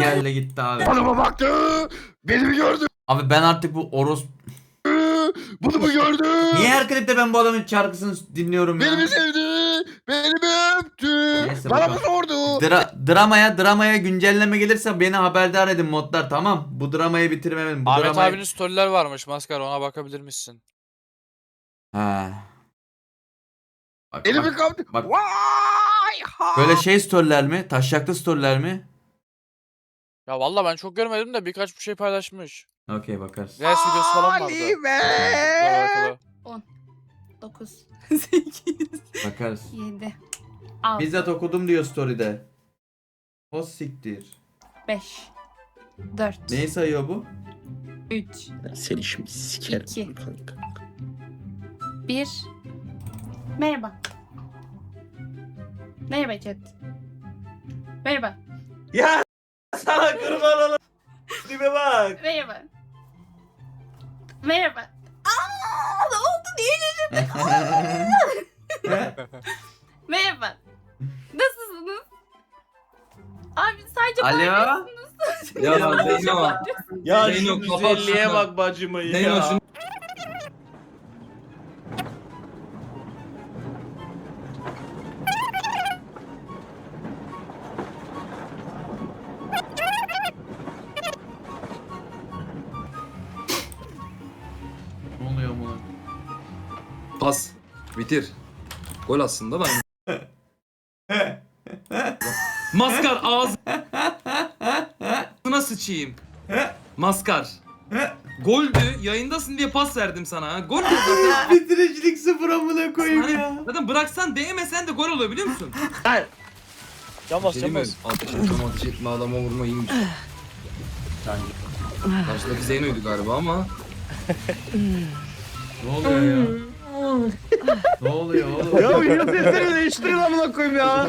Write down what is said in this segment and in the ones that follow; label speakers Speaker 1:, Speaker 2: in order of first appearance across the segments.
Speaker 1: geldi gitti abi.
Speaker 2: Bana baktı. Beni mi gördü?
Speaker 1: Abi ben artık bu
Speaker 2: Bunu mu gördü?
Speaker 1: Niye her klipte ben bu adamın şarkısını dinliyorum ya?
Speaker 2: Beni mi sevdi? Beni mi öptü?
Speaker 1: Neyse,
Speaker 2: Bana mı
Speaker 1: bakalım.
Speaker 2: sordu?
Speaker 1: Dramaya güncelleme gelirse beni haberdar edin modlar, tamam. Bu dramayı bitirmem. Bu
Speaker 3: Ahmet
Speaker 1: dramayı...
Speaker 3: abinin storyler varmış Maskar, ona bakabilir misin?
Speaker 1: Ha. Bak,
Speaker 2: Elimi
Speaker 1: bak,
Speaker 2: kaptı.
Speaker 1: bak.
Speaker 2: Vay ha.
Speaker 1: Böyle şey storyler mi? Taşaklı storyler mi?
Speaker 3: Ya vallahi ben çok görmedim de birkaç bir şey paylaşmış.
Speaker 1: Okey, bakarız.
Speaker 3: Reels videosu falan vardı.
Speaker 2: Halime.
Speaker 3: Alakalı.
Speaker 4: 9 8
Speaker 1: Bakarız.
Speaker 4: 7 6
Speaker 1: Bizzat okudum diyor story'de. O siktir.
Speaker 4: 5 4
Speaker 1: Neyi sayıyor bu?
Speaker 4: 3
Speaker 2: Seni şimdi sikerim.
Speaker 4: 2 1 Merhaba. Merhaba chat. Merhaba.
Speaker 1: Ya sana kurban olayım. Tipe bak.
Speaker 4: Merhaba. Merhaba. Aa, ne oldu diye şaşırdım. Merhaba. Nasılsınız? Abi sadece
Speaker 1: Alo.
Speaker 4: bağırıyorsunuz.
Speaker 5: Ya Zeyno.
Speaker 1: Ya
Speaker 5: Zeyno,
Speaker 1: şu
Speaker 5: kapat
Speaker 1: güzelliğe
Speaker 5: şunu.
Speaker 1: bak bacımı ya.
Speaker 5: Zeyno şunu.
Speaker 1: Ne oluyor mu?
Speaker 5: Pas. Bitir. Gol aslında da. Maskar ağzına sıçayım. Maskar. Goldü. Yayındasın diye pas verdim sana. Ha. Gol de zaten.
Speaker 1: Bitiricilik sıfır amına koyayım
Speaker 5: Hani
Speaker 1: ya.
Speaker 5: zaten bıraksan değmesen de gol oluyor biliyor musun?
Speaker 3: Yanmaz
Speaker 5: Şey mi?
Speaker 3: yanmaz.
Speaker 5: Ateş etme adama vurma iyiymiş. Karşıdaki Zeyno'ydu galiba ama.
Speaker 1: Ne oluyor ya? Ne oluyor oğlum?
Speaker 2: Ya yine sesleri değiştirin amına koyayım ya.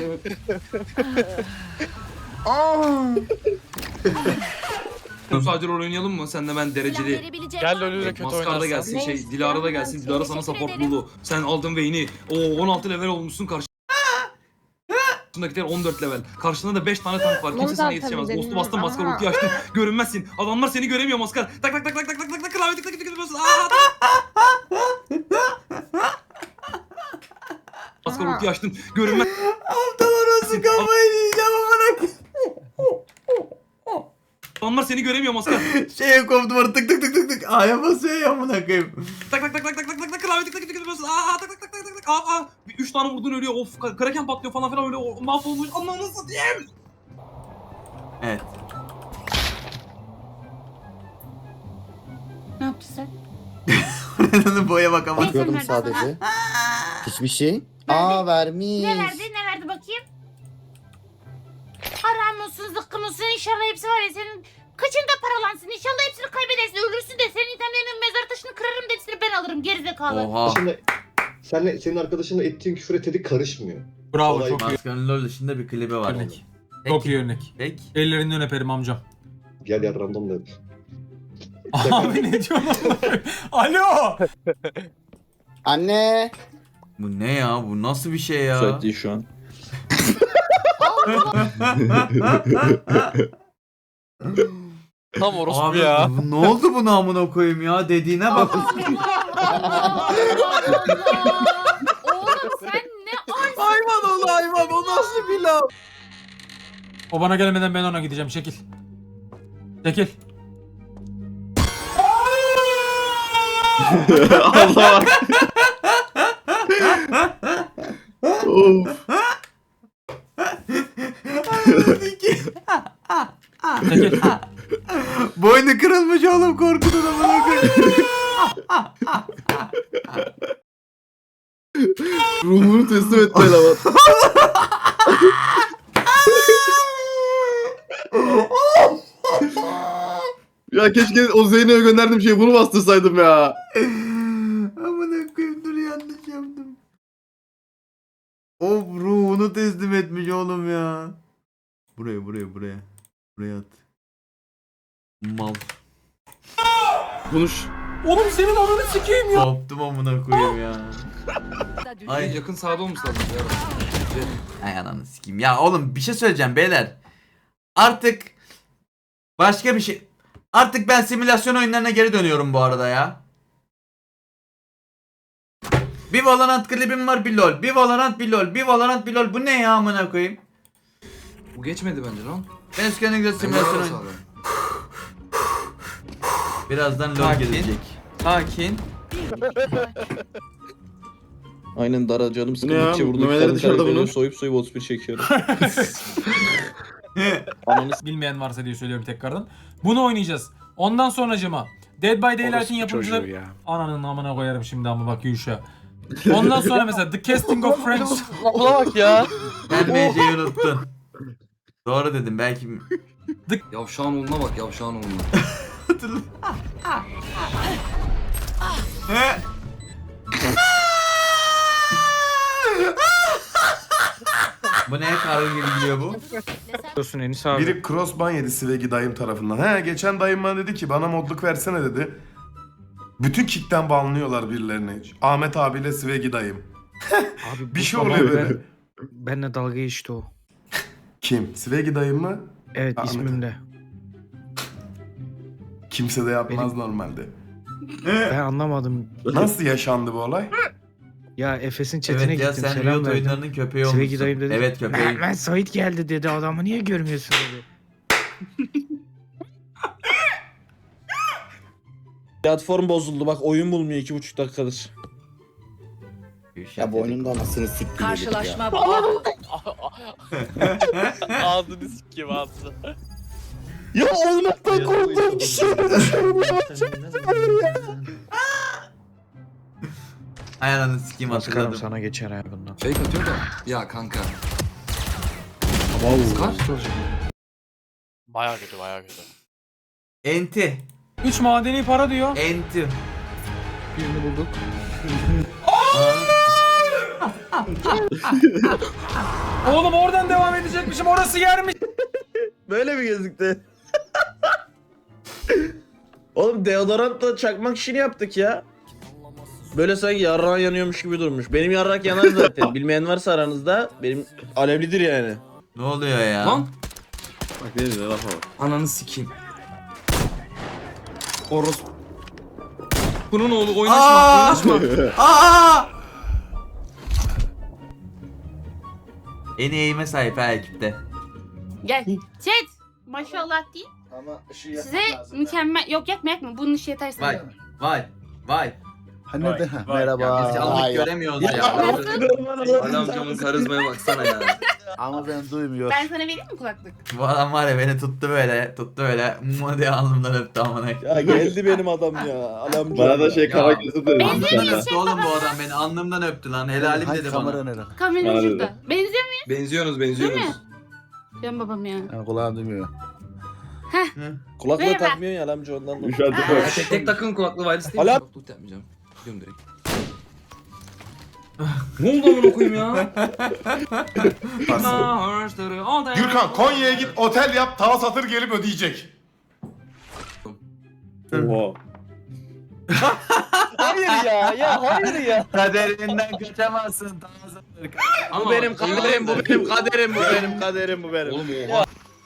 Speaker 5: Sadece rol oynayalım mı? Sen de ben dereceli.
Speaker 3: Gel LoL'ü de kötü
Speaker 5: Maskar da
Speaker 3: oynasın.
Speaker 5: gelsin, Dilara da gelsin. Dilara sana support buldu. Sen aldın Vayne'i. O 16 level olmuşsun karşındakiler 14 level. Karşında da 5 tane tank var. Kimse sana yetişemez. Ghost'u bastın, Maskar ulti açtın. Görünmezsin. Adamlar seni göremiyor Maskar. Tak tak tak tak tak tak tak tak klavye tık tık tık tık tık. Maskar ulti açtın. Görünmez.
Speaker 1: Aptal orası kafayı yiyeceğim amına koyayım.
Speaker 5: Adamlar seni göremiyor Maskar.
Speaker 1: Şeye koptum orada tık tık tık tık tık. A'ya basıyor ya amına koyayım.
Speaker 5: Tak tak tak tak tak tak tak tak klavye tık tık tık tık tık. Tak tak tak tak tak tak. Aa. 3 tane vurdun ölüyor. Of kraken patlıyor falan filan öyle mahvolmuş. Ananı satayım.
Speaker 1: Evet.
Speaker 4: Ne yaptın sen?
Speaker 1: Boya bak ama.
Speaker 4: Bakıyordum
Speaker 6: Bakıyordum sadece. Hiçbir şey.
Speaker 4: Verdi.
Speaker 6: Aa vermiş.
Speaker 4: Ne verdi? Ne verdi bakayım? Haram olsun, zıkkım olsun. İnşallah hepsi var ya senin kaçında paralansın. İnşallah hepsini kaybedersin. Ölürsün de senin itemlerinin mezar taşını kırarım da hepsini ben alırım. Gerizekalı.
Speaker 1: Oha.
Speaker 7: Senin arkadaşınla ettiğin küfür etedi karışmıyor.
Speaker 8: Bravo,
Speaker 7: Olay
Speaker 8: çok iyi.
Speaker 1: Maskanın LoL dışında bir klibi var.
Speaker 8: Örnek. Çok iyi örnek.
Speaker 1: Peki.
Speaker 8: Ellerinden öperim amcam.
Speaker 7: Gel ya random da yap.
Speaker 8: Abi ne diyorsun? Alo!
Speaker 6: Anne.
Speaker 1: Bu ne ya? Bu nasıl bir şey ya?
Speaker 9: Müsait değil şu an.
Speaker 3: Tam orospu
Speaker 1: Abi
Speaker 3: ya.
Speaker 1: ne oldu buna amına koyayım ya? Dediğine bak.
Speaker 4: Oğlum sen ne arsın?
Speaker 1: Hayvan ol hayvan. O nasıl bir laf?
Speaker 8: O bana gelmeden ben ona gideceğim. Çekil. Çekil.
Speaker 9: Allah. Of.
Speaker 8: Çekil.
Speaker 1: Boynu kırılmış oğlum korkudan amına koyayım.
Speaker 9: Ruhunu teslim etme lan. Ya keşke o Zeyno'ya gönderdiğim şeyi bunu bastırsaydım ya.
Speaker 1: Amına koyayım dur yanlış yaptım. O ruhunu teslim etmiş oğlum ya. Buraya. Buraya at. Mal.
Speaker 9: Konuş.
Speaker 8: Oğlum senin ananı sikeyim ya.
Speaker 1: Koptum amına koyayım ya. Ay.
Speaker 5: Yakın sağda olmuş lazım ya.
Speaker 1: Ay ananı sikeyim. Ya oğlum bir şey söyleyeceğim beyler. Artık Başka bir şey. Artık ben simülasyon oyunlarına geri dönüyorum bu arada ya. Bir Valorant klibim var, bir LoL. Bir Valorant, bir LoL. Bir Valorant, bir LoL. Bu ne ya amına koyayım?
Speaker 5: Bu geçmedi bence lan.
Speaker 1: Ben eskiden güzel simülasyon oyun. Birazdan LoL gelecek. Sakin.
Speaker 2: Aynen Dara canım
Speaker 9: Ne
Speaker 2: sıkıldıkça
Speaker 9: ya?
Speaker 2: burada
Speaker 9: Memeleri
Speaker 2: karın
Speaker 9: dışarıda
Speaker 2: kaybediyor,
Speaker 9: bunun.
Speaker 2: soyup 31 çekiyorum. Ananı
Speaker 8: Bilmeyen varsa diye söylüyorum tekrardan. Bunu oynayacağız. Ondan sonracıma Dead by Daylight'in yapımcıları... Ananın amına koyarım şimdi ama bak Yuşa. Ondan sonra mesela The Casting of Friends.
Speaker 3: Ona bak ya.
Speaker 1: Sen MC'yi unuttun. Doğru dedim belki.
Speaker 5: Yavşağın oğluna bak yavşağın oğluna.
Speaker 1: Bu ne karı gibi gidiyor bu?
Speaker 10: Biri crossban yedi Svegi dayım tarafından. Geçen dayım bana dedi ki bana modluk versene dedi. Bütün kickten banlıyorlar birilerini. Ahmet abiyle Svegi dayım.
Speaker 11: Abi
Speaker 10: Bir şey oluyor böyle.
Speaker 11: Benle dalga geçti o.
Speaker 10: Kim? Svegi dayım mı?
Speaker 11: Evet
Speaker 10: Ahmet.
Speaker 11: ismimle.
Speaker 10: Kimse de yapmaz normalde.
Speaker 11: Ben anlamadım.
Speaker 10: Nasıl yaşandı bu olay?
Speaker 11: Ya Efes'in chatine
Speaker 1: Evet ya
Speaker 11: gittim
Speaker 1: sen
Speaker 11: selam
Speaker 1: Riot
Speaker 11: verdim.
Speaker 1: oyunlarının köpeği
Speaker 11: Svegi
Speaker 1: olmuşsun.
Speaker 11: dayım dedi.
Speaker 1: Evet köpeği.
Speaker 11: Ben Sait geldi dedi, adamı niye görmüyorsun dedi.
Speaker 2: Platform bozuldu bak, oyun bulmuyor 2,5 dakikadır.
Speaker 6: Ya bu oyunun da anasını siktir.
Speaker 4: Karşılaşma bu.
Speaker 3: Ağzını sikeyim ağzını.
Speaker 2: Ya olmaktan korktuğum kişi.
Speaker 1: Ay ananı sikeyim
Speaker 11: Maskarım
Speaker 1: hatırladım.
Speaker 11: sana geçer ha bundan.
Speaker 5: Fake atıyor da. Ya kanka. Skar.
Speaker 3: Baya kötü baya kötü.
Speaker 1: Enti.
Speaker 8: 3 madeni para diyor.
Speaker 1: Enti.
Speaker 11: Birini bulduk.
Speaker 8: Oğlum oradan devam edecekmişim, orası yermiş.
Speaker 2: Böyle mi gözüktü? Oğlum deodorantla çakmak işini yaptık ya. Böyle sanki yarrağı yanıyormuş gibi durmuş. Benim yarrak yanar zaten. Bilmeyen varsa aranızda, benim alevlidir yani.
Speaker 1: Ne oluyor ya?
Speaker 5: Lan.
Speaker 9: Bak ne diyor lafa bak.
Speaker 5: Ananı sikeyim. Oros. Bunun oğlu oynaşma. Oynaşma.
Speaker 1: Aa! En iyi eğime sahip ha ekipte.
Speaker 4: Gel. Chat. Maşallah değil.
Speaker 6: Ama ışığı
Speaker 4: Size mükemmel... Yok yakma. Bunun ışığı yeter sana.
Speaker 1: Vay. Vay. Vay.
Speaker 6: Ha ne de?
Speaker 1: Ya biz
Speaker 6: Merhaba.
Speaker 1: yanlık
Speaker 6: Vay.
Speaker 1: göremiyoruz ya.
Speaker 5: Alamcamın karizmaya baksana ya.
Speaker 6: Ama ben duymuyorum.
Speaker 4: Ben sana vereyim mi kulaklık?
Speaker 1: Bu adam var ya beni tuttu böyle. Mua diye alnımdan öptü amına.
Speaker 2: Ya geldi benim adam ya. Alamcı.
Speaker 9: Bana da şey
Speaker 1: Ya.
Speaker 9: kara gözü dedi.
Speaker 1: Alnımdan
Speaker 4: Benziyor
Speaker 1: öptü oğlum bu adam beni. Alnımdan öptü lan. Helalim dedi
Speaker 6: kamera
Speaker 1: bana.
Speaker 6: nerede?
Speaker 4: Kamera
Speaker 9: Harbi.
Speaker 4: şurada. Benziyor mu?
Speaker 5: Benziyorsunuz
Speaker 4: Değil
Speaker 5: benziyorsunuz.
Speaker 4: mi? Canım babam ya.
Speaker 6: Yani kulağım duymuyor.
Speaker 2: Kulaklığı
Speaker 4: Merhaba.
Speaker 2: takmıyor ya alamcı ondan da.
Speaker 9: Şu an
Speaker 5: Ya tek takın kulaklığı wireless değil mi?
Speaker 2: Alam.
Speaker 5: Kulaklık yapmayacağım. Gidiyorum direkt. Ne oldu amına koyayım ya?
Speaker 10: Gürkan Konya'ya git otel yap tava satır gelip ödeyecek.
Speaker 9: Oha.
Speaker 2: Hayır ya hayır ya.
Speaker 1: Kaderinden kaçamazsın.
Speaker 2: Bu benim kaderim, bu benim kaderim, bu benim kaderim, bu benim.
Speaker 5: Oğlum oha.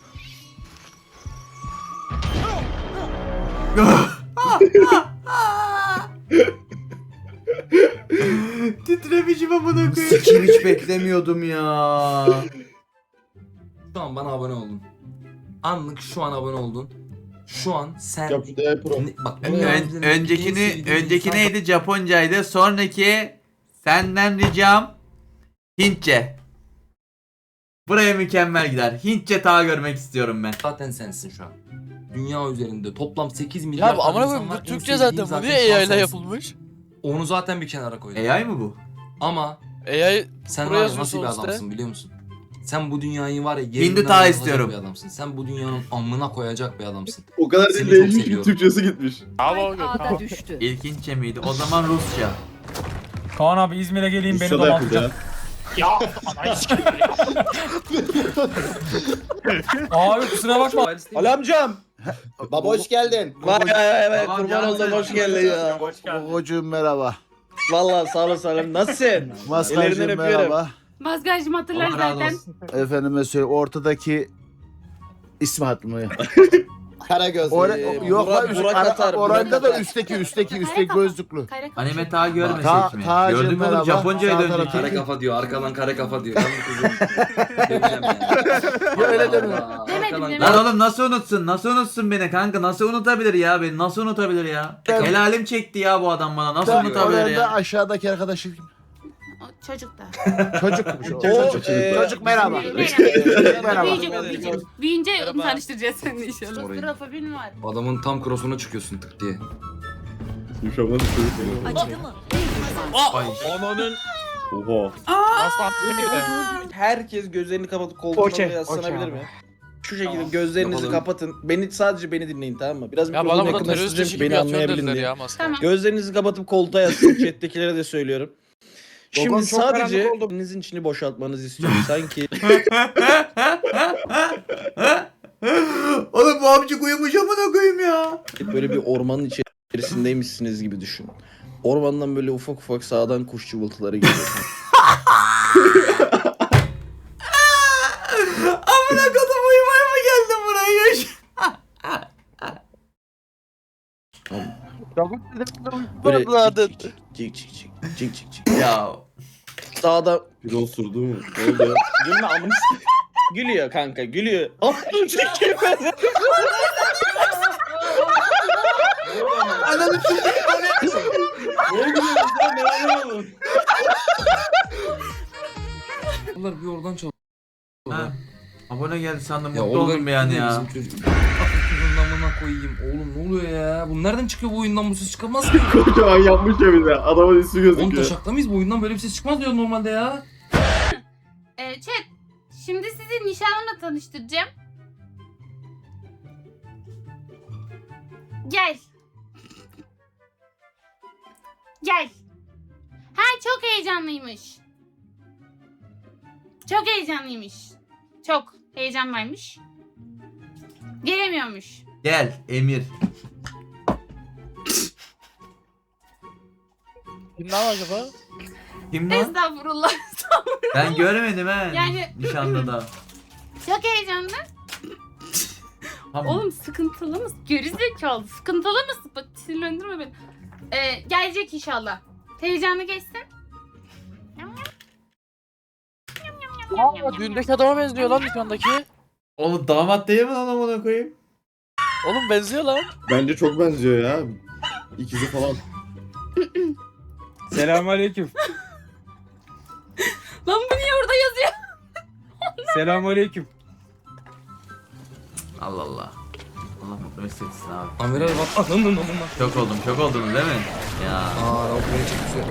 Speaker 1: Titremişim amına koyayım. Sikim hiç beklemiyordum ya.
Speaker 5: Şu an bana abone oldun. Anlık şu an abone oldun. Şu an sen...
Speaker 9: Yap şu DL Pro.
Speaker 5: Bak dünya üzerindeki en sevdiğim
Speaker 1: Önceki
Speaker 5: insan-
Speaker 1: neydi? Japoncaydı. Sonraki senden ricam Hintçe. Buraya mükemmel gider. Hintçe ta görmek istiyorum ben.
Speaker 5: Zaten sensin şu an. Dünya üzerinde toplam 8 milyar
Speaker 3: Ya bu
Speaker 5: tane
Speaker 3: amına
Speaker 5: insan
Speaker 3: koyayım
Speaker 5: var.
Speaker 3: bu
Speaker 5: En
Speaker 3: Türkçe
Speaker 5: sevdiğim
Speaker 3: zaten bu
Speaker 5: şu
Speaker 3: niye
Speaker 5: an
Speaker 3: AI ile
Speaker 5: sensin.
Speaker 3: yapılmış?
Speaker 5: Onu zaten bir kenara koydum.
Speaker 1: AI mı bu?
Speaker 5: Ama
Speaker 3: AI
Speaker 5: sen
Speaker 3: buraya
Speaker 5: var ya nasıl bir
Speaker 3: yazıyorsun işte.
Speaker 5: adamsın biliyor musun? Sen bu dünyayı var ya
Speaker 1: Hindi
Speaker 5: yerinden
Speaker 1: ta
Speaker 5: oynatacak
Speaker 1: istiyorum.
Speaker 5: bir adamsın. Sen bu dünyanın amına koyacak bir adamsın.
Speaker 9: O kadar
Speaker 5: Seni
Speaker 9: değil
Speaker 5: çok
Speaker 9: değişmiş ki
Speaker 5: seviyorum.
Speaker 9: Türkçesi gitmiş.
Speaker 3: Bravo
Speaker 4: Ağda düştü.
Speaker 1: İlk Hintçe miydi? O zaman Rusça.
Speaker 8: Kaan abi İzmir'e geleyim beni
Speaker 9: Rusça da yapıldı ya.
Speaker 8: domaltacak. Abi kusura bakma.
Speaker 2: Alamcam.
Speaker 6: Baba hoş geldin.
Speaker 2: Vay evet
Speaker 1: Tamam,
Speaker 2: kurban
Speaker 1: canım
Speaker 2: oldum
Speaker 1: benim.
Speaker 2: hoş geldin ya.
Speaker 6: Gogocuğum merhaba.
Speaker 2: Vallahi sağ olasın. Nasılsın? Ellerinden
Speaker 6: Maskarcığım
Speaker 2: öpüyorum.
Speaker 6: merhaba.
Speaker 4: Mazgarcım hatırlar
Speaker 1: Allah razı
Speaker 4: zaten.
Speaker 1: olsun.
Speaker 6: Efendime söyleyeyim ortadaki ismi hatırlamıyor. Karagöz.
Speaker 2: Yok lan Burak atar.
Speaker 6: Oranda da
Speaker 4: üstteki gözlüklü.
Speaker 1: Anime ta görmesek
Speaker 6: Ta-
Speaker 1: mi?
Speaker 6: Tacım
Speaker 1: Gördün mü oğlum
Speaker 6: merhaba.
Speaker 1: Japonca'ya
Speaker 6: Sağ
Speaker 1: döndük.
Speaker 6: tarafı.
Speaker 1: Kare kafa diyor.
Speaker 5: Arkadan kare kafa diyor. Ben bu kızı döveceğim ya.
Speaker 6: Ya öyle deme.
Speaker 4: Demedim.
Speaker 1: Lan oğlum nasıl unutsun? Nasıl unutsun beni kanka? Nasıl unutabilir ya beni? Nasıl unutabilir ya? Helalim çekti ya bu adam bana. Nasıl unutabilir
Speaker 6: Oranda
Speaker 1: ya?
Speaker 6: aşağıdaki arkadaşım.
Speaker 4: Çocuk da.
Speaker 6: Çocukmuş o.
Speaker 2: Çocuk merhaba.
Speaker 4: Büyüyünce tanıştıracağız seninle inşallah. Strafobin var.
Speaker 5: Adamın tam cross'una çıkıyorsun tık diye.
Speaker 2: Ananın.
Speaker 9: Oha.
Speaker 2: Herkes gözlerini kapatıp koltuğuna yaslanabilir mi? Şu şekilde gözlerinizi
Speaker 5: Yapalım.
Speaker 2: kapatın. Sadece beni dinleyin, tamam mı? Biraz
Speaker 3: Ya
Speaker 2: mikrofonu
Speaker 3: bana burada terörist
Speaker 2: yakınlaştıracağım
Speaker 3: işi
Speaker 2: ki
Speaker 3: gibi
Speaker 2: beni
Speaker 3: atıyor
Speaker 2: anlayabilin
Speaker 3: dediler
Speaker 2: diye.
Speaker 3: ya maske.
Speaker 4: Tamam.
Speaker 2: Gözlerinizi kapatıp koltuğa yaslanın. Chat'tekilere de söylüyorum. Şimdi
Speaker 11: Babam çok
Speaker 2: sadece
Speaker 11: karanlık oldu.
Speaker 2: elinizin içini boşaltmanızı istiyorum. Sanki
Speaker 1: Oğlum bu amcık uyumuş amına koyayım ya.
Speaker 2: böyle bir ormanın içerisindeymişsiniz gibi düşün. Ormandan böyle ufak ufak sağdan kuş cıvıltıları geliyor.
Speaker 1: Amına kodum uyumaya mı geldin buraya?
Speaker 2: Böyle cik cik cik.
Speaker 1: Ya
Speaker 2: Sağda
Speaker 9: Bir osurdu mu? Ne oldu?
Speaker 2: gülme amına gülüyor kanka, gülüyor. Amına çekiyor.
Speaker 1: ananı
Speaker 5: Bunlar bir oradan çalıyor.
Speaker 1: Ha, abone geldi sandım
Speaker 5: Ya
Speaker 1: mutlu oldum bir an ya.
Speaker 5: Amına koyayım. Oğlum ne oluyor ya? Bu nereden çıkıyor bu oyundan, bu ses çıkamaz ki?
Speaker 9: Kocaman yapmış ya bize. Adamın ismi
Speaker 5: Oğlum
Speaker 9: gözüküyor.
Speaker 5: taşakta mıyız? Bu oyundan böyle bir ses çıkmaz diyor normalde ya.
Speaker 4: Chat. Şimdi sizi nişanlımla tanıştıracağım. Gel. Gel. Ha çok heyecanlıymış. Çok heyecanlıymış. Çok heyecan varmış. Gelemiyormuş.
Speaker 1: Gel Emir.
Speaker 3: Kim lan acaba?
Speaker 1: Kim lan?
Speaker 4: Estağfurullah.
Speaker 1: Ben görmedim he.
Speaker 4: Yani-
Speaker 1: Nişanlıda.
Speaker 4: Çok heyecanlı.
Speaker 1: Tamam.
Speaker 4: Oğlum sıkıntılı mısın? Gerizekalı. Sıkıntılı mısın? Bak sinirlendirme beni. Gelecek inşallah. Heyecanlı geçsin.
Speaker 3: Aa, düğündeki adama benziyor lan dükkandaki.
Speaker 1: Oğlum damat değil mi lan amına koyayım?
Speaker 3: Oğlum benziyor lan.
Speaker 9: Bence çok benziyor ya. İkizi falan.
Speaker 11: Selamünaleyküm.
Speaker 4: Lan bu niye orada yazıyor?
Speaker 11: Selamünaleyküm.
Speaker 1: Allah Allah. Allah mutlu mesut etsin abi.
Speaker 5: Amiral bak. Ananın amına.
Speaker 1: Çok oldunuz değil mi? Ya.
Speaker 5: Aa beni çekmişler.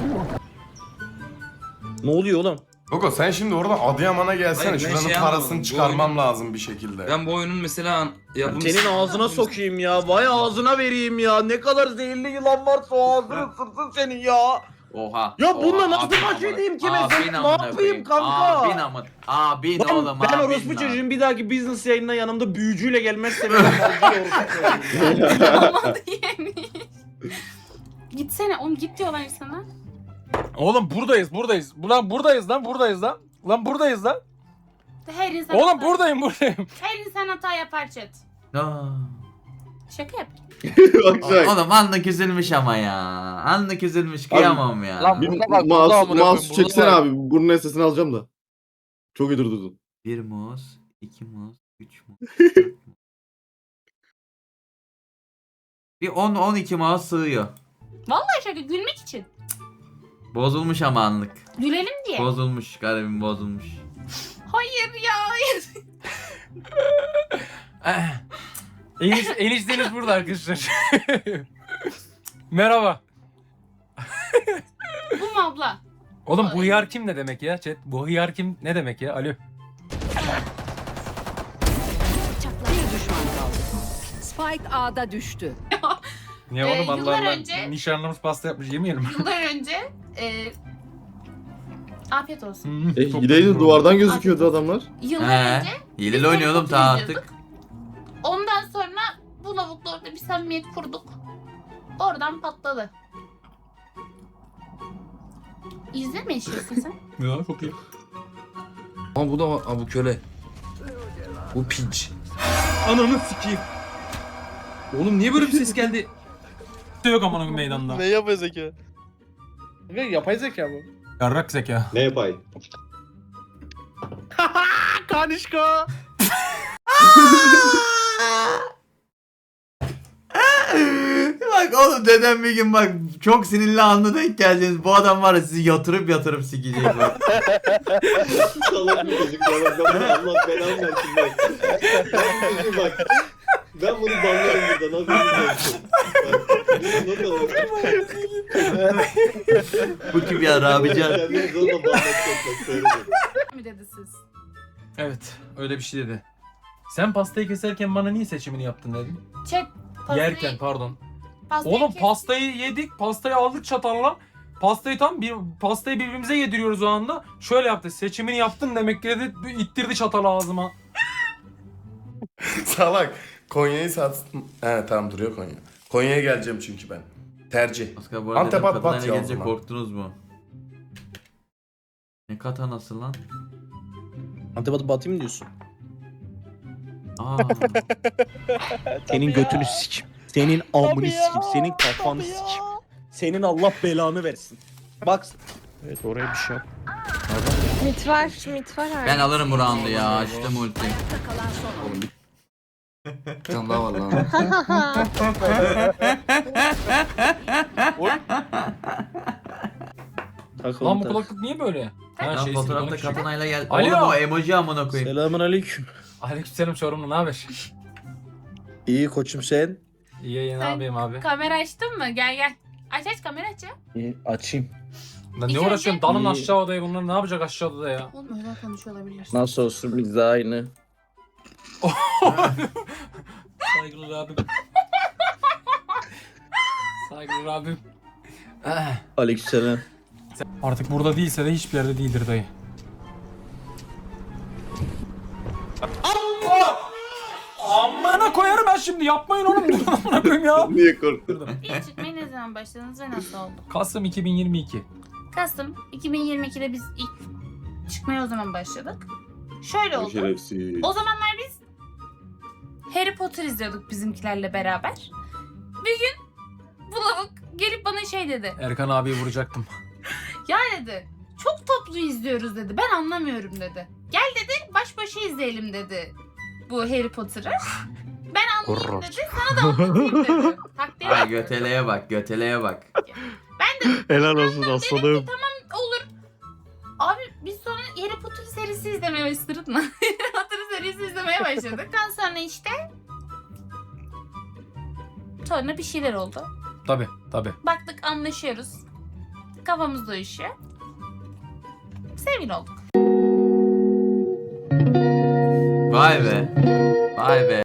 Speaker 2: Ne oluyor oğlum?
Speaker 10: Gogo sen şimdi oradan Adıyaman'a gelsene.
Speaker 5: Hayır, ben
Speaker 10: Şuranın
Speaker 5: şey
Speaker 10: parasını
Speaker 5: anlamadım. Bu
Speaker 10: çıkarmam
Speaker 5: oyunun-
Speaker 10: lazım bir şekilde.
Speaker 5: Ben bu oyunun mesela
Speaker 2: Senin ağzına sokayım ya. Vay ağzına vereyim ya. Ne kadar zehirli yılan varsa o ağzını ısırsın senin ya.
Speaker 1: Oha.
Speaker 2: Ya bununla
Speaker 1: Oha,
Speaker 2: nasıl
Speaker 1: abin
Speaker 2: baş
Speaker 1: amına-
Speaker 2: edeyim ki
Speaker 1: abin
Speaker 2: mesela? Ne
Speaker 1: amına
Speaker 2: yapayım
Speaker 1: koyayım.
Speaker 2: kanka?
Speaker 1: Abin amına. Abin oğlum
Speaker 2: Ben
Speaker 1: abin
Speaker 2: orospu
Speaker 1: lan.
Speaker 2: çocuğun bir dahaki business yayınına yanımda büyücüyle gelmezse ben orospu çocuğum.
Speaker 4: Olmadı yemiş. Gitsene oğlum git diyorlar sana.
Speaker 8: Oğlum buradayız. Ulan buradayız lan. Lan buradayız lan.
Speaker 4: Her insan
Speaker 8: Oğlum
Speaker 4: hata-
Speaker 8: buradayım.
Speaker 4: Her insan hata yapar chat.
Speaker 1: Aa.
Speaker 4: Şaka yap.
Speaker 9: Bak
Speaker 1: Oğlum anlık üzülmüş ama ya. Anlık üzülmüş kıyamam ya.
Speaker 3: Lan
Speaker 9: Bir
Speaker 3: burada bak, burada amına koyayım,
Speaker 9: mouse
Speaker 3: burada
Speaker 9: çeksene
Speaker 3: bak.
Speaker 9: abi. Bunun sesini alacağım da. Çok iyi durdurdun.
Speaker 1: 1 muz, 2 muz, 3 muz. 4 muz. Bir 10-12 muz sığıyor.
Speaker 4: Vallahi şaka gülmek için.
Speaker 1: Bozulmuş ama anlık.
Speaker 4: Gülelim diye.
Speaker 1: Bozulmuş garibim bozulmuş.
Speaker 4: Hayır ya. Hayır.
Speaker 8: Enişteniz burada arkadaşlar. Merhaba.
Speaker 4: Bu mu abla?
Speaker 8: Oğlum bu hıyar kim ne demek ya chat? Bu hıyar kim ne demek ya? Alo.
Speaker 12: Bir düşman kaldı. Spike A'da düştü.
Speaker 8: Niye oğlum Allah
Speaker 4: yıllar
Speaker 8: Allah.
Speaker 4: önce-
Speaker 8: Nişanlımız pasta yapmış yemeyelim.
Speaker 4: Yıllar önce afiyet olsun.
Speaker 9: Hileydi duvardan gözüküyordu adamlar.
Speaker 4: Yıllar önce
Speaker 1: Hileli oynuyordum ta artık.
Speaker 4: ondan sonra bu lavukla orada bir samimiyet kurduk. Oradan patladı. İzle mi yaşıyorsun sen?
Speaker 8: Ya çok iyi.
Speaker 5: Ama bu da var. Aa, bu köle. Bu pinç.
Speaker 2: Ananı sikeyim.
Speaker 5: Oğlum niye böyle bir ses geldi?
Speaker 8: Yok amına meydanda.
Speaker 3: Ne yapıyor zeki?
Speaker 11: Yapay zeka bu.
Speaker 8: Yarrak zeka.
Speaker 7: Ne yapay?
Speaker 11: Kanişko.
Speaker 1: Bak oğlum dedem bir gün bak çok sinirli anına denk geleceğiniz. Bu adam var ya sizi yatırıp sikecek bak.
Speaker 7: Salak bir çocuk ya. Bak ben bunu Allah belamı versin bak. Bak. Ben bunu banlarım burada. Nasıl bir not alalım.
Speaker 1: Bu kim ya Rabican?
Speaker 7: Kendini zorla banlatacak bak. Söyle.
Speaker 4: mi dedi siz?
Speaker 8: Evet öyle bir şey dedi. Sen pastayı keserken bana niye seçimini yaptın dedin?
Speaker 4: Chat. pastayı-
Speaker 8: Yerken pardon.
Speaker 4: pastayı
Speaker 8: Oğlum
Speaker 4: kes-
Speaker 8: pastayı yedik, pastayı aldık çatalla. Pastayı birbirimize yediriyoruz o anda. Şöyle yaptı. Seçimini yaptın demek ki dedi. İttirdi çatalı ağzıma.
Speaker 10: Salak. Konya'yı satsın. He tamam duruyor Konya. Konya'ya geleceğim çünkü ben. Tercih.
Speaker 1: Oscar bu arada
Speaker 10: Antep
Speaker 1: dedim,
Speaker 10: at
Speaker 1: kadına
Speaker 10: bat
Speaker 1: ne
Speaker 10: ya o
Speaker 1: gelince
Speaker 10: zaman.
Speaker 1: korktunuz mu? Ne katanası lan?
Speaker 2: Antebatı batayım mı diyorsun?
Speaker 1: Aa.
Speaker 2: Senin götünü sikim. Senin amını sikim. Senin kafanı sikim. Senin Allah belanı versin. Bak. Evet oraya bir şey yap.
Speaker 12: Mit var abi.
Speaker 1: Ben alırım bu roundu ya. Açtım ulti.
Speaker 12: Kalan son oyun.
Speaker 6: Bir tane daha var lan.
Speaker 8: Lan bu kulaklık niye böyle? Ha
Speaker 1: Lan
Speaker 8: şey
Speaker 1: fotoğrafta
Speaker 8: silikonun küçük.
Speaker 1: katanayla gel.
Speaker 8: Alo.
Speaker 1: Oğlum o emoji amına koyayım.
Speaker 2: Selamun aleyküm.
Speaker 8: Aleykümselam Çorumlu ne haber?
Speaker 2: İyi koçum sen.
Speaker 8: İyi yayın
Speaker 4: Sen-
Speaker 8: abim abi.
Speaker 4: Kamera açtın mı? Gel. Aç kamera aç ya.
Speaker 2: İyi açayım.
Speaker 8: Lan ne
Speaker 4: İlk
Speaker 8: uğraşıyorsun?
Speaker 2: önce-
Speaker 8: Dalın
Speaker 2: İyi.
Speaker 8: aşağı odaya bunlar ne yapacak aşağı odada ya?
Speaker 4: Oğlum öyle konuşuyor olabilir.
Speaker 2: Nasıl olsun biz de aynı.
Speaker 8: Saygılar abim. Saygılar abim.
Speaker 2: Aleykümselam.
Speaker 8: Artık burada değilse de hiçbir yerde değildir dayı. Amına koyarım ben şimdi yapmayın oğlum dur amına koyayım ya.
Speaker 9: Niye korktun?
Speaker 4: İlk çıkmaya ne zaman başladınız ve nasıl oldu?
Speaker 8: Kasım 2022.
Speaker 4: Kasım 2022'de biz ilk çıkmaya o zaman başladık. Şöyle oldu.
Speaker 9: Şerefsiz.
Speaker 4: O zamanlar biz Harry Potter izliyorduk bizimkilerle beraber. Bir gün bu lavuk gelip bana şey dedi.
Speaker 8: Erkan abiyi vuracaktım.
Speaker 4: Ya dedi çok toplu izliyoruz dedi. Ben anlamıyorum dedi. Gel dedi baş başa izleyelim dedi bu Harry Potter'ı. Ben anlayayım dedi. Sana da anlatayım dedi. Takdir
Speaker 1: Ay
Speaker 4: et.
Speaker 1: göteleye bak göteleye bak.
Speaker 2: Helal olsun aslanım.
Speaker 4: Olur. Abi biz sonra Harry Potter serisi izlemeye başladık mı? Harry Potter serisi izlemeye başladık. Ondan sonra işte sonra bir şeyler oldu.
Speaker 8: Tabi.
Speaker 4: Baktık anlaşıyoruz. Kafamız uyuşuyor. Sevgili olduk.
Speaker 1: Vay be. Vay be.